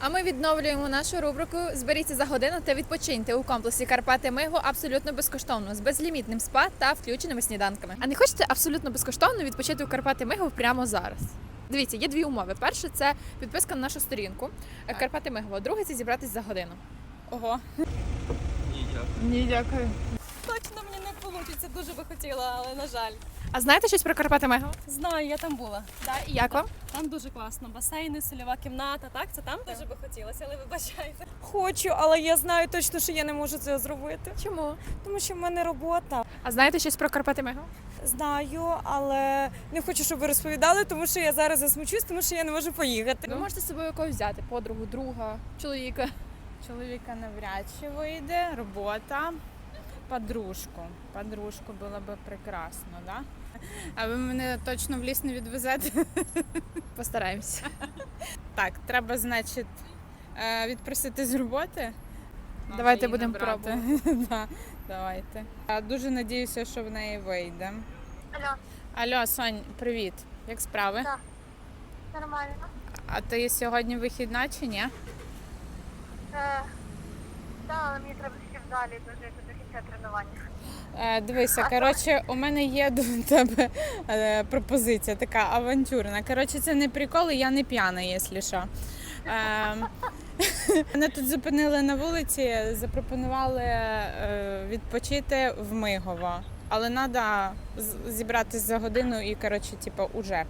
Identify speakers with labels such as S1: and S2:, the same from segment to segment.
S1: А ми відновлюємо нашу рубрику «Зберіться за годину та відпочиньте» у комплексі Карпати Миго абсолютно безкоштовно, з безлімітним спа та включеними сніданками. А не хочете абсолютно безкоштовно відпочити у Карпати Миго прямо зараз? Дивіться, є дві умови. Перше – це підписка на нашу сторінку Карпати Миго. Друге – це зібратись за годину.
S2: Ого.
S1: Ні, дякую.
S2: Точно мені не вийде, дуже би хотіла, але на жаль.
S1: А знаєте щось про Карпати Миго?
S2: Знаю, я там була.
S1: І як вам?
S2: Там дуже класно. Басейни, сольова кімната, так? Це там дуже би хотілося, але вибачайте.
S3: Хочу, але я знаю точно, що я не можу це зробити.
S1: Чому?
S3: Тому що в мене робота.
S1: А знаєте щось про Карпати Миго?
S3: Знаю, але не хочу, щоб ви розповідали, тому що я зараз засмучусь, тому що я не можу поїхати.
S1: Ви можете з собою когось взяти, подругу, друга, чоловіка.
S4: Чоловіка навряд чи вийде, робота, подружку. Подружку було б прекрасно, да? А ви мене точно в ліс не відвезете?
S1: Постараємося.
S4: Так, треба, значить, відпросити з роботи.
S1: Давайте
S4: Надо її
S1: будемо
S4: набрати.
S1: пробувати.
S4: Да, давайте. Я дуже надіюся, що в неї вийде.
S5: Алло,
S4: Алло, Сонь, привіт. Як справи?
S5: Так. нормально.
S4: А ти сьогодні вихідна чи ні?
S5: Так, але мені треба ще в залі до кінця тренування.
S4: Дивися, коротше, у мене є до тебе пропозиція така авантюрна. Коротше, це не прикол, і я не п'яна, якщо що. Мене тут зупинили на вулиці, запропонували відпочити в Мигово. Але треба зібратися за годину і, коротше, типу, уже.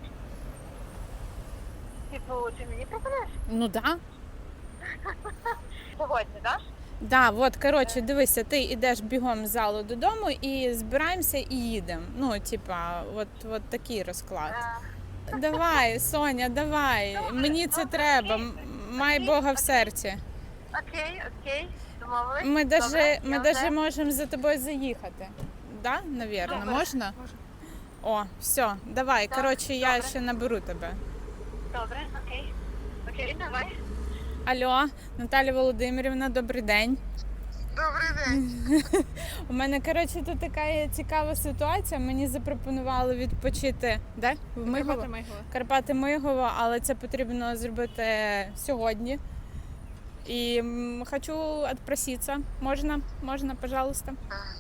S5: Типу, ти мені пропонуєш?
S4: Ну так. Да.
S5: Сьогодні, так?
S4: Да, от, коротше, дивися, ти йдеш бігом з залу додому і збираємося і їдемо. Ну, типа, от такий розклад. Давай, Соня, давай. Мені це треба. Май Бога в серці.
S5: Окей, домовились.
S4: Ми даже можемо за тобою заїхати. Да, навірно,
S5: Добре.
S4: можна? О, все, давай.
S5: Так,
S4: Коротше, я
S5: добре.
S4: ще наберу тебе.
S5: Добре, окей, давай.
S4: Алло, Наталя Володимирівна, добрий день.
S5: Добрий день.
S4: У мене, коротше, тут така є цікава ситуація. Мені запропонували відпочити де? В Мигово?
S1: Карпати Миго.
S4: Карпати Мигово, але це потрібно зробити сьогодні. І хочу відпроситися. Можна, пожалуйста.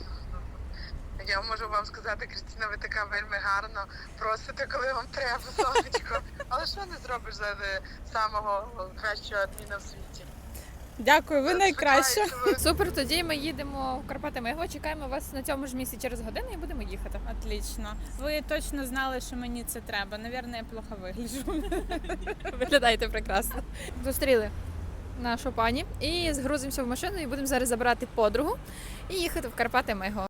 S6: Я можу вам сказати, Крістіна, ви така вельми гарно просите, коли вам треба, сонечко. Але що не зробиш за самого кращого адміна в світі?
S4: Дякую, ви найкраща.
S6: Сподіваюся, ви
S1: Супер, тоді ми їдемо в Карпати Миго, чекаємо вас на цьому ж місці через годину і будемо їхати.
S4: Отлично. Ви точно знали, що мені це треба. Навірно, я плохо вигляджу.
S1: Виглядаєте прекрасно. Зустріли нашу пані і згрузимося в машину і будемо зараз забирати подругу і їхати в Карпати Миго.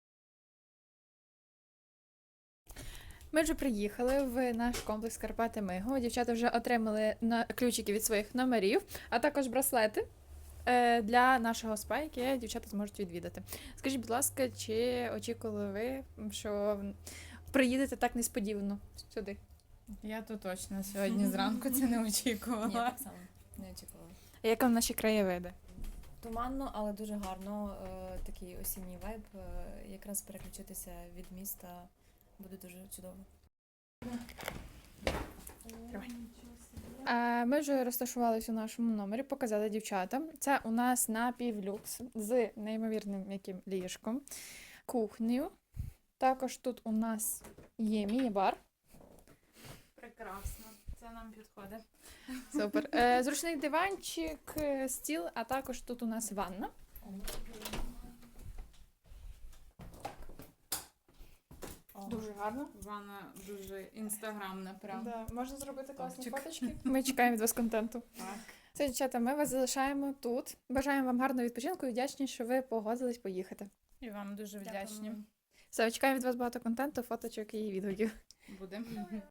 S1: Ми вже приїхали в наш комплекс Карпати Миго. Дівчата вже отримали ключики від своїх номерів, а також браслети для нашого спа, яке дівчата зможуть відвідати. Скажіть, будь ласка, чи очікували ви, що приїдете так несподівано сюди?
S4: Я то точно сьогодні зранку це не очікувала.
S7: Ні, так само не очікувала.
S1: А як вам наші краєвиди?
S7: Туманно, але дуже гарно. Такий осінній вайб. Якраз переключитися від міста буде дуже чудово.
S1: Ми вже розташувалися у нашому номері, показали дівчатам. Це у нас напівлюкс з неймовірним яким ліжком, кухнею. Також тут у нас є міні-бар.
S4: Прекрасно. Це нам підходить.
S1: Супер. Зручний диванчик, стіл, а також тут у нас ванна. Дуже гарно.
S4: Вона дуже інстаграмна, правда.
S1: Да, можна зробити класні
S4: Топчик.
S1: фоточки. Ми чекаємо від вас контенту.
S4: Так.
S1: Все, дівчата, ми вас залишаємо тут. Бажаємо вам гарного відпочинку і вдячні, що ви погодились поїхати.
S4: І вам дуже вдячні.
S1: Все, чекаємо від вас багато контенту, фоточок і відгуків.
S4: Будемо.